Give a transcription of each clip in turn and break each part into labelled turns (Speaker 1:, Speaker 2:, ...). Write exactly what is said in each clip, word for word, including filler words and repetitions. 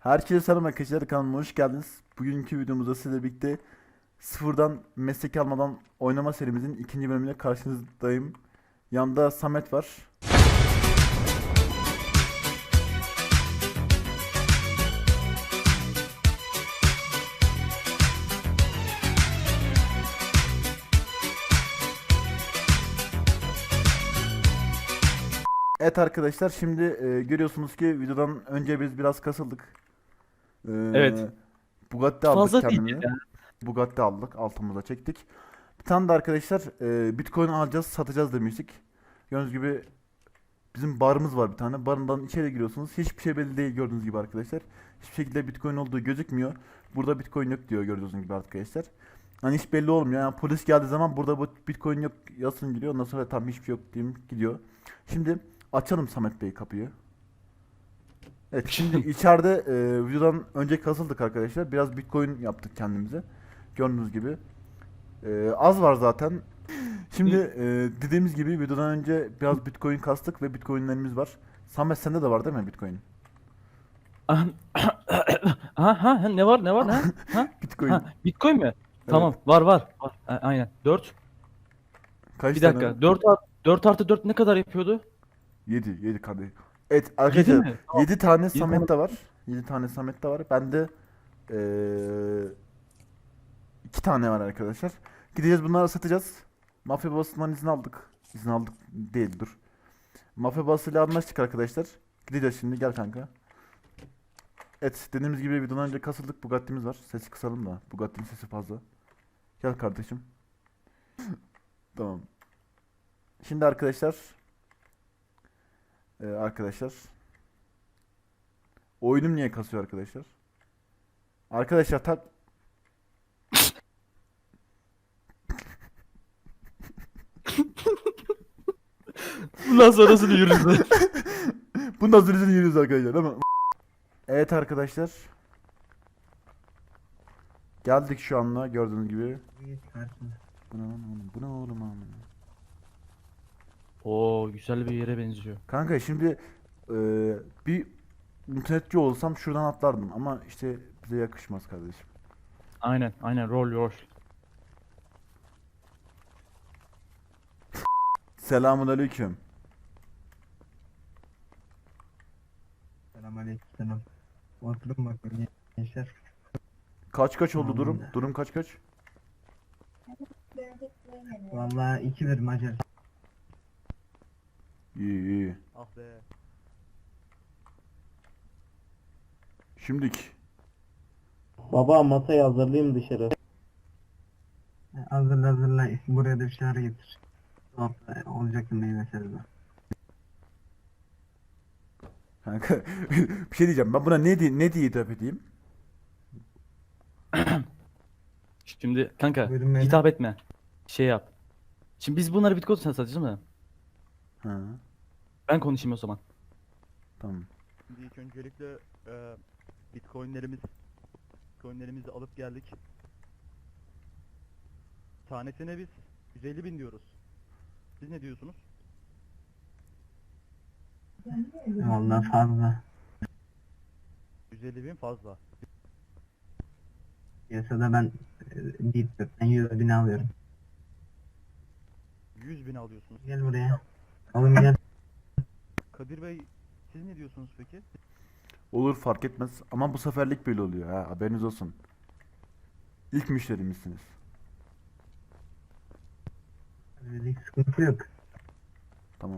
Speaker 1: Herkese selam arkadaşlar, kanalıma hoş geldiniz. Bugünkü videomuzda sizle birlikte sıfırdan meslek almadan oynama serimizin ikinci bölümüyle karşınızdayım. Yanımda Samet var. Evet arkadaşlar, şimdi e, görüyorsunuz ki videodan önce biz biraz kasıldık. E,
Speaker 2: Evet.
Speaker 1: Bugatti aldık
Speaker 2: Fazla değil
Speaker 1: kendimize.
Speaker 2: ya.
Speaker 1: Bugatti aldık, altımıza çektik. Bir tane de arkadaşlar e, Bitcoin alacağız, satacağız demiştik. Gördüğünüz gibi bizim barımız var bir tane. Barından içeri giriyorsunuz. Hiçbir şey belli değil gördüğünüz gibi arkadaşlar. Hiçbir şekilde Bitcoin olduğu gözükmüyor. Burada Bitcoin yok diyor gördüğünüz gibi arkadaşlar. Hani hiç belli olmuyor. Yani polis geldiği zaman burada bu Bitcoin yok yazsın geliyor. Ondan sonra tam hiçbir şey yok diyeyim gidiyor. Şimdi açalım Samet Bey kapıyı. Evet, şimdi içeride e, videodan önce kasıldık arkadaşlar. Biraz Bitcoin yaptık kendimize. Gördüğünüz gibi. E, az var zaten. Şimdi e, dediğimiz gibi videodan önce biraz Bitcoin kastık ve Bitcoin'lerimiz var. Samet sende de var değil mi Bitcoin?
Speaker 2: Ha, ha, ha, ne var ne var ha? Ha?
Speaker 1: Bitcoin.
Speaker 2: Ha, Bitcoin mi? Tamam, var var. var. A- aynen. dört.
Speaker 1: Kaç
Speaker 2: Bir
Speaker 1: tane?
Speaker 2: dakika. dört art- dört artı dört ne kadar yapıyordu?
Speaker 1: yedi. yedi kardeş. Evet
Speaker 2: yedi
Speaker 1: arkadaşlar
Speaker 2: mi? Tamam.
Speaker 1: yedi tane
Speaker 2: yedi
Speaker 1: Samet
Speaker 2: tane.
Speaker 1: de var. yedi tane Samet de var. Bende e, iki tane var arkadaşlar. Gideceğiz bunları satacağız. Mafya babasından izin aldık. İzin aldık değil dur. Mafya babasıyla anlaştık arkadaşlar. Gideceğiz şimdi, gel kanka. Evet, dediğimiz gibi videodan önce kasıldık. Bugatti'miz var. Sesi kısalım da. Bugatti'nin sesi fazla. Gel kardeşim. Tamam. Şimdi arkadaşlar. Ee, arkadaşlar. Oyunum niye kasıyor arkadaşlar? Arkadaşlar tak.
Speaker 2: Bundan sonrasını yürürüz.
Speaker 1: Bundan sonra izin yürüyoruz arkadaşlar değil mi? Evet arkadaşlar. Geldik şu anda gördüğünüz gibi. Bu ne lan oğlum? Bu ne oğlum amına?
Speaker 2: Oo, güzel bir yere benziyor.
Speaker 1: Kanka şimdi e, bir internetçi olsam şuradan atlardım ama işte bize yakışmaz kardeşim.
Speaker 2: Aynen, aynen. Roll roll.
Speaker 1: Selamun aleyküm.
Speaker 3: Selamünaleyküm. Oturun bakalım gençler.
Speaker 1: Kaç kaç oldu durum?
Speaker 3: Vallahi.
Speaker 1: Durum kaç kaç?
Speaker 3: Vallahi iki bir Macar.
Speaker 1: İyi iyi.
Speaker 2: Ah be.
Speaker 1: Şimdik.
Speaker 4: Baba masayı hazırlayayım dışarı.
Speaker 3: Hazırla hazırla. Buraya da bir şeyler getir. Orta olacak meyve sebze.
Speaker 1: Kanka bir şey diyeceğim. Ben buna ne diye ne diye hitap edeyim?
Speaker 2: Şimdi kanka,
Speaker 3: Buyurun beyler.
Speaker 2: hitap etme. Şey yap. Şimdi biz bunları Bitcoin satacağız mı?
Speaker 1: Ha,
Speaker 2: Ben konuşayım o zaman.
Speaker 1: tamam.
Speaker 5: Şimdi ilk öncelikle e, Bitcoin'lerimiz Bitcoin'lerimizi alıp geldik. Tanesine biz yüz elli bin diyoruz. Siz ne diyorsunuz?
Speaker 3: Vallahi fazla.
Speaker 5: yüz elli bin fazla.
Speaker 3: Piyasada ben e, deyip ben yüz bin alıyorum.
Speaker 5: yüz bin alıyorsunuz.
Speaker 3: Gel buraya. Oğlum gel.
Speaker 5: Kadir Bey, siz ne diyorsunuz peki?
Speaker 1: Olur, fark etmez ama bu seferlik böyle oluyor ha, haberiniz olsun. İlk müşterimizsiniz.
Speaker 3: Öyle sıkıntı yok.
Speaker 1: Tamam.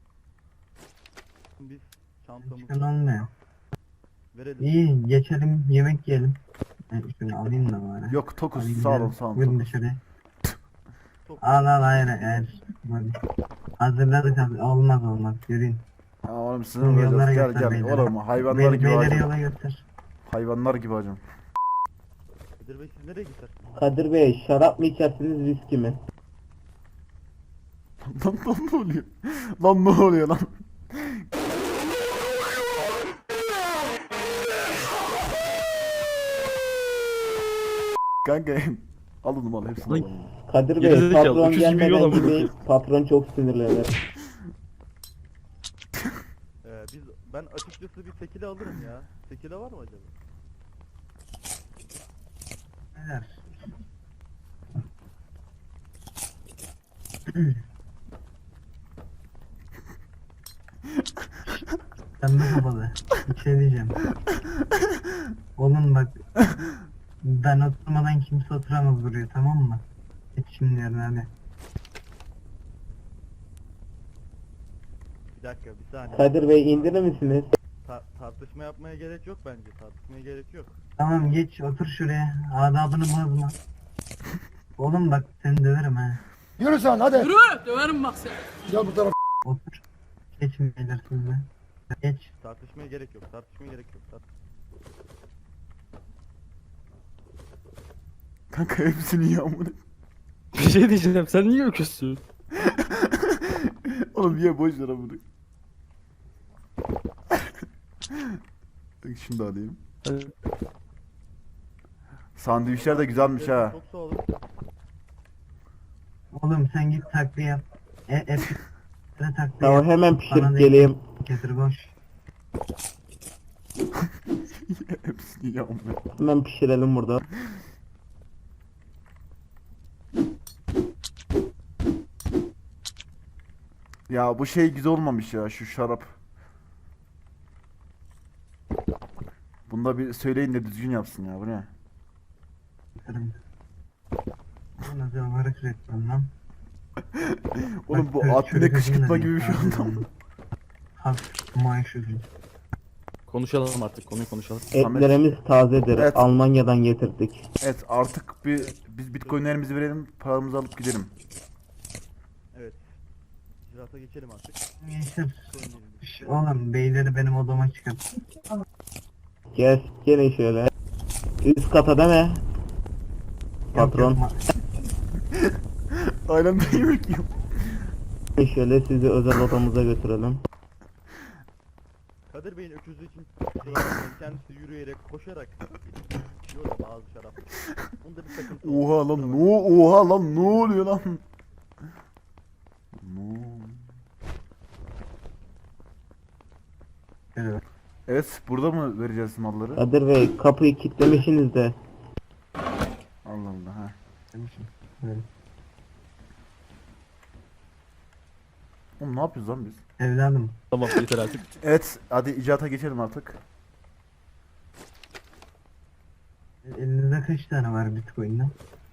Speaker 5: Biz
Speaker 3: Çıkan
Speaker 5: çantamızı
Speaker 3: olmuyor.
Speaker 5: verelim.
Speaker 3: İyi geçelim yemek yiyelim. Ben şunu alayım da bari.
Speaker 1: Yok tokuz,
Speaker 3: Alayım
Speaker 1: sağ olun
Speaker 3: gidelim.
Speaker 1: sağ olun
Speaker 3: Buyurun
Speaker 1: tokuz.
Speaker 3: dışarıya.
Speaker 5: Çok
Speaker 3: Al al hayır hayır. Hadi. Hazırladık hazır. Olmaz olmaz. Yürüyün.
Speaker 1: Ha oğlum sizin
Speaker 3: Yollara
Speaker 1: olacağız, gel
Speaker 3: göster
Speaker 1: gel
Speaker 3: beyler.
Speaker 1: oğlum, hayvanlar
Speaker 3: Bey,
Speaker 1: gibi
Speaker 3: beyleri
Speaker 1: hacım.
Speaker 3: yola götür.
Speaker 1: Hayvanlar gibi hacım.
Speaker 5: Kadir Bey, siz nereye gider?
Speaker 4: Kadir Bey şarap mı içersiniz viski mi?
Speaker 1: Lan, lan ne oluyor? Lan ne oluyor lan? Kanka al onu, al hepsini al.
Speaker 2: Lan-
Speaker 4: Kadir Bey
Speaker 2: Gerizekalı,
Speaker 4: patron
Speaker 2: öküz gibi
Speaker 4: gelmeden
Speaker 2: yiyorlar bunu.
Speaker 4: gideyin. Patron çok sinirlenir.
Speaker 5: Ee, biz Ben açıkçası bir tekile alırım ya. Tekile var mı acaba?
Speaker 3: Neler? Sen de kapalı. Bir şey diyeceğim. Oğlum bak. Ben oturmadan kimse oturamaz buraya, tamam mı? Geç şimdi yerine hadi.
Speaker 5: Bir dakika bir saniye.
Speaker 4: Kadir Bey indirir misiniz?
Speaker 5: Ta- tartışma yapmaya gerek yok bence. Tartışmaya gerek yok.
Speaker 3: Tamam geç otur şuraya. Adabını bozma. Oğlum bak seni döverim ha.
Speaker 6: Yürü sen hadi.
Speaker 7: Yürü döverim bak seni.
Speaker 6: Gel bu tarafa.
Speaker 3: Otur. Geçin beyler siz de. Geç.
Speaker 5: Tartışmaya gerek yok. Tartışmaya gerek yok. Tart-
Speaker 1: Kanka hepsini iyi amına.
Speaker 2: Bir şey diyeceğim. Sen niye öküzsün?
Speaker 1: Oğlum niye boş ver amına. Şunu da alayım.
Speaker 2: Hadi.
Speaker 1: Sandviçler de güzelmiş ha.
Speaker 5: Çok sağ olun.
Speaker 3: Oğlum sen git takviye yap. E, et. Et takviye
Speaker 4: Tamam
Speaker 3: yap.
Speaker 4: hemen
Speaker 3: Bana
Speaker 4: pişirip
Speaker 3: da
Speaker 4: geleyim.
Speaker 3: Getir boş.
Speaker 1: Hepsini iyi amına.
Speaker 4: Hemen pişirelim burada.
Speaker 1: Ya bu şey güzel olmamış ya şu şarap. Bunda bir söyleyin de düzgün yapsın ya bu ne?
Speaker 3: Getirin. Bu nasıl varık reklam lan?
Speaker 1: Oğlum
Speaker 3: Bak,
Speaker 1: bu
Speaker 3: çocuk-
Speaker 1: admine
Speaker 3: çocuk
Speaker 1: kışkırtma
Speaker 3: yüzünden
Speaker 1: gibi bir şey
Speaker 3: yapıyor.
Speaker 1: oldu.
Speaker 3: Hafif maaş ödül.
Speaker 2: Konuşalım artık. Konuyu konuşalım.
Speaker 4: Etlerimiz tazedir.
Speaker 1: Evet.
Speaker 4: Almanya'dan getirdik.
Speaker 1: Evet artık bir biz bitcoinlerimizi verelim paramızı alıp gidelim.
Speaker 5: Evet. İcraata geçelim artık.
Speaker 3: Gençler.
Speaker 5: Bitcoinlerimizi-
Speaker 3: şş, Oğlum beyleri benim odama çıkart.
Speaker 4: Gel, gelin şöyle. Üst kata değil mi? Patron.
Speaker 3: Yok, yok,
Speaker 1: Aynen de yemek yiyorum.
Speaker 4: Şöyle sizi özel odamıza götürelim.
Speaker 5: Kadir Bey'in öküzlüğü için kusura bakmayın. Kendisi yürüyerek, koşarak içiyor da bazı şarap. Bunda bir sakıntı var.
Speaker 1: Oha
Speaker 5: Kusura
Speaker 1: lan
Speaker 5: bakmayın.
Speaker 1: no oha lan ne oluyor lan? No.
Speaker 3: Evet.
Speaker 1: Evet burada mı vereceğiz malları?
Speaker 4: Kadir Bey kapıyı kilitlemişsiniz de.
Speaker 1: Allah Allah ha.
Speaker 3: Demişim. Evet.
Speaker 1: Oğlum ne yapıyoruz lan biz?
Speaker 3: Evladım.
Speaker 2: Tamam yeter artık.
Speaker 1: Evet hadi icraata geçelim artık.
Speaker 3: Elinizde kaç tane var bitcoin'den?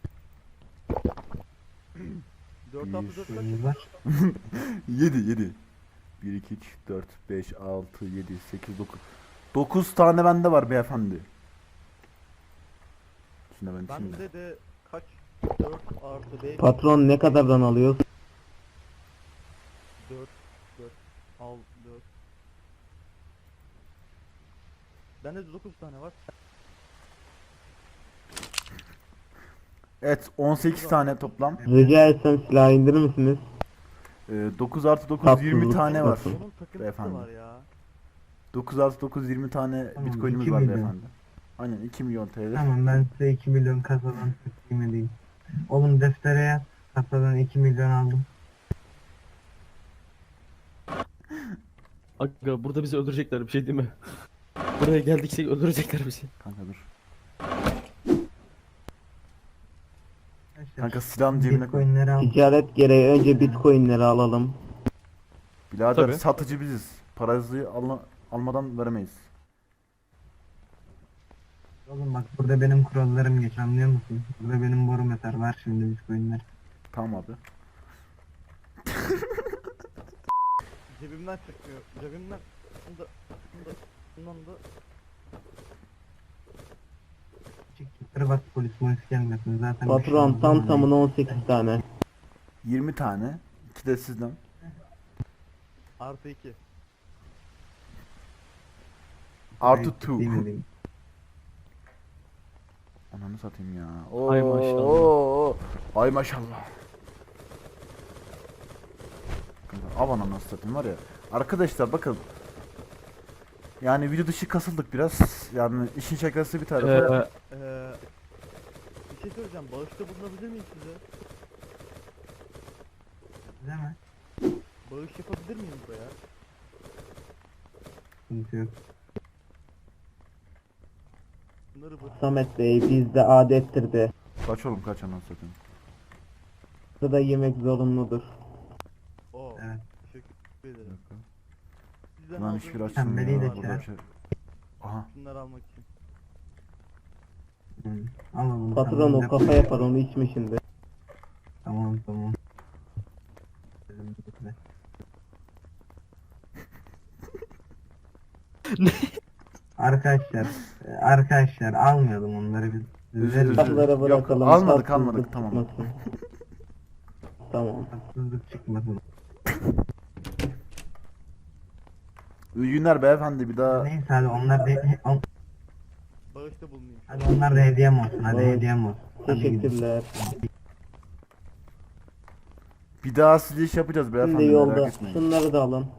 Speaker 5: dört altı dört kaç?
Speaker 3: Bitcoin'iniz var.
Speaker 1: yedi yedi. bir iki üç dört beş altı yedi sekiz dokuz. dokuz tane bende var beyefendi. Şimdi ben şimdi.
Speaker 5: Bende de kaç? dört artı beş.
Speaker 4: Patron ne kadardan alıyor?
Speaker 5: dört, dört, altı, dört. Bende de dokuz tane var.
Speaker 1: Evet on sekiz tane toplam.
Speaker 4: Rica etsem silah indirir misiniz?
Speaker 1: Ee, dokuz artı dokuz yirmi
Speaker 4: Tatlılık
Speaker 1: tane var.
Speaker 4: olsun.
Speaker 5: Onun takıntısı
Speaker 1: Beyefendi.
Speaker 5: var ya.
Speaker 1: dokuz artı dokuz yirmi tane
Speaker 3: Tamam,
Speaker 1: bitcoinimiz
Speaker 3: iki
Speaker 1: var
Speaker 3: milyon.
Speaker 1: beyefendi. Aynen iki milyon T L.
Speaker 3: Tamam ben size iki milyon kasadan takdim edeyim. Oğlum deftere yaz. Kasadan iki milyon aldım.
Speaker 2: Aga burada bizi öldürecekler bir şey değil mi? Buraya geldikse öldürecekler bizi.
Speaker 1: Kanka dur.
Speaker 3: Arkadaşlar,
Speaker 1: Kanka silahın cebine koy.
Speaker 3: bitcoinleri al.
Speaker 4: Ticaret gereği önce bitcoinleri alalım.
Speaker 1: Birader
Speaker 2: Tabii.
Speaker 1: satıcı biziz. Parayı alma, almadan veremeyiz.
Speaker 3: Oğlum bak burada benim kurallarım geç, anlıyor musun? Burada benim borum yeter, var şimdi bitcoinler.
Speaker 1: Tamam abi.
Speaker 5: Cebimden çıkmıyor. Cebimden. Bunda, bunda, bundan da
Speaker 3: Çık yukarı bak, polis polis gelmesin zaten. bir şey
Speaker 4: Patron
Speaker 3: olmaz.
Speaker 4: tam tamına on sekiz tane.
Speaker 1: yirmi tane. iki de sizden.
Speaker 5: artı iki.
Speaker 1: Artı
Speaker 3: Hayır, değil mi,
Speaker 1: iki.
Speaker 3: değil mi?
Speaker 1: Ananı satayım ya. Oo,
Speaker 2: Ay maşallah.
Speaker 1: oo. Ay maşallah. Kanka, av ananı satayım var ya. Arkadaşlar bakın. Yani video dışı kasıldık biraz. Yani işin şakası bir tarafa.
Speaker 2: Ee,
Speaker 5: Ee, bir şey söyleyeceğim. Bağışta bulunabilir miyim size?
Speaker 3: Değil mi?
Speaker 5: Bağış yapabilir miyim buraya?
Speaker 3: Sıkıntı yok.
Speaker 5: Bunları bu.
Speaker 4: Samet Bey bizde adettir de.
Speaker 1: Kaç oğlum kaç anasını satayım.
Speaker 4: Burada yemek zorunludur.
Speaker 5: Oo.
Speaker 3: Evet.
Speaker 5: Teşekkür ederim. Sizden
Speaker 1: Lan
Speaker 5: aldığım
Speaker 1: hiçbir
Speaker 5: bir-
Speaker 1: açılmıyor
Speaker 3: Pembeliği de
Speaker 1: ya. Burada
Speaker 3: çağır.
Speaker 1: bir şey. Aha.
Speaker 5: Şunları almak için.
Speaker 3: Hı. Alalım.
Speaker 4: Patron
Speaker 3: tamam,
Speaker 4: o
Speaker 3: depo-
Speaker 4: kafa yapar onu içme şimdi.
Speaker 3: Tamam tamam. Arkadaşlar, e, arkadaşlar almayalım onları biz.
Speaker 1: Özür
Speaker 3: Bizler
Speaker 1: dilerim.
Speaker 4: Silahlara
Speaker 1: Yok,
Speaker 4: bırakalım.
Speaker 1: almadık,
Speaker 4: tatsızlık
Speaker 1: almadık, tamam.
Speaker 4: çıkmasın. Tamam.
Speaker 3: haksızlık çıkmasın.
Speaker 1: İyi günler beyefendi bir daha.
Speaker 3: Neyse hadi onlar da on,
Speaker 5: Bağışta bulunayım.
Speaker 3: hadi onlar da hediyem olsun. Hadi
Speaker 4: Evet.
Speaker 3: hediyem olsun. Hadi gidin.
Speaker 4: Teşekkürler.
Speaker 1: Bir daha size iş yapacağız beyefendi
Speaker 4: Şimdi
Speaker 1: merak
Speaker 4: yolda
Speaker 1: etmeyin.
Speaker 4: şunları da alın.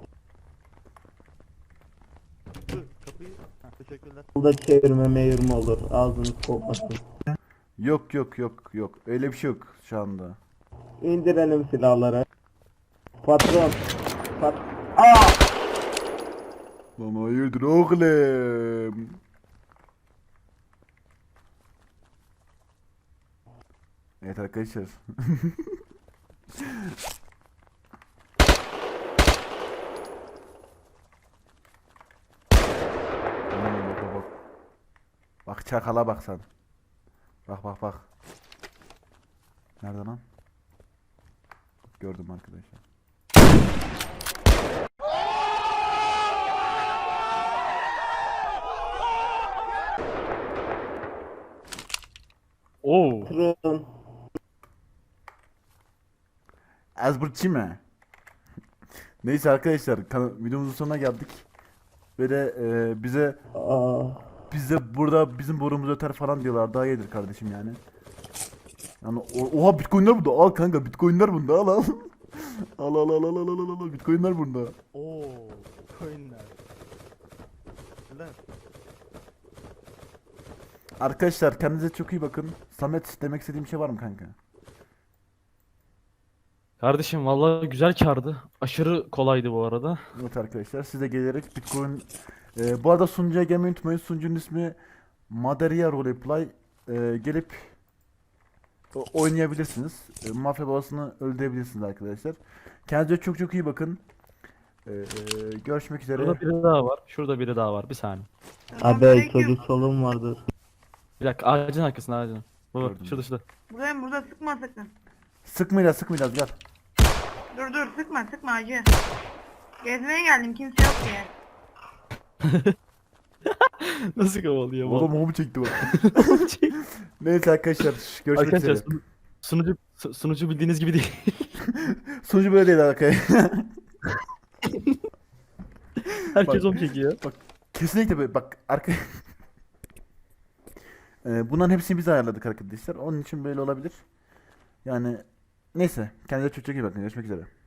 Speaker 5: Dur, kapıyı. Ha, teşekkürler.
Speaker 4: Yolda çevirme meyirme olur. Ağzınız kokmasın.
Speaker 1: Yok yok yok yok. Öyle bir şey yok şu anda.
Speaker 4: İndirelim silahları. Patron. Pat
Speaker 1: Lan hayırdır oğlum? Evet arkadaşlar. Hmm, bak bak bak. Bak çakala bak sen. Bak bak bak. Nerede lan? Gördüm arkadaşlar.
Speaker 2: Oo.
Speaker 4: patron.
Speaker 1: Azburçi mi? Neyse arkadaşlar kan- videomuzun sonuna geldik. Böyle e, bize
Speaker 4: Aa,
Speaker 1: bize burada bizim borumuz öter falan diyorlar. Daha iyidir kardeşim yani. Yani o- oha bitcoinler burada. Al kanka bitcoinler bunda al al. Al al al al al al al al bitcoinler bunda.
Speaker 5: Oo. Coinler. Lan.
Speaker 1: Arkadaşlar kendinize çok iyi bakın. Samet demek istediğim bir şey var mı kanka?
Speaker 2: Kardeşim vallahi güzel kardı. Aşırı kolaydı bu arada.
Speaker 1: Evet arkadaşlar size gelerek bitcoin e, bu arada sunucuya gelmeyi unutmayın. Sunucunun ismi Maderia Roleplay. E, gelip o- oynayabilirsiniz. E, mafya babasını öldürebilirsiniz arkadaşlar. Kendinize çok çok iyi bakın. E, e, görüşmek üzere.
Speaker 2: Şurada biri daha var. Şurada biri daha var. Bir saniye.
Speaker 4: abi çocuk solum vardır.
Speaker 2: Bir dakika ağacın arkasında ağacın. Baba
Speaker 1: Gördüm.
Speaker 2: şurada şurada.
Speaker 6: Buradayım burada sıkma sakın.
Speaker 1: Sıkmayacağız sıkmayacağız gel.
Speaker 6: Dur dur sıkma sıkma acı. Gezmeye geldim kimse yok diye.
Speaker 2: Nasıl kovalıyor bu?
Speaker 1: Oğlum o mu çekti bak. Neyse arkadaşlar görüşmek
Speaker 2: Arkadaşlar
Speaker 1: üzere.
Speaker 2: sunu- sunucu su- sunucu bildiğiniz gibi değil.
Speaker 1: Sunucu böyle değil arkadaşlar.
Speaker 2: Herkes
Speaker 1: Bak.
Speaker 2: onu çekiyor.
Speaker 1: Kesinlikle böyle bak arka Ee, bunların hepsini biz ayarladık arkadaşlar. Onun için böyle olabilir. Yani neyse kendinize çok çok iyi bakın. Görüşmek üzere.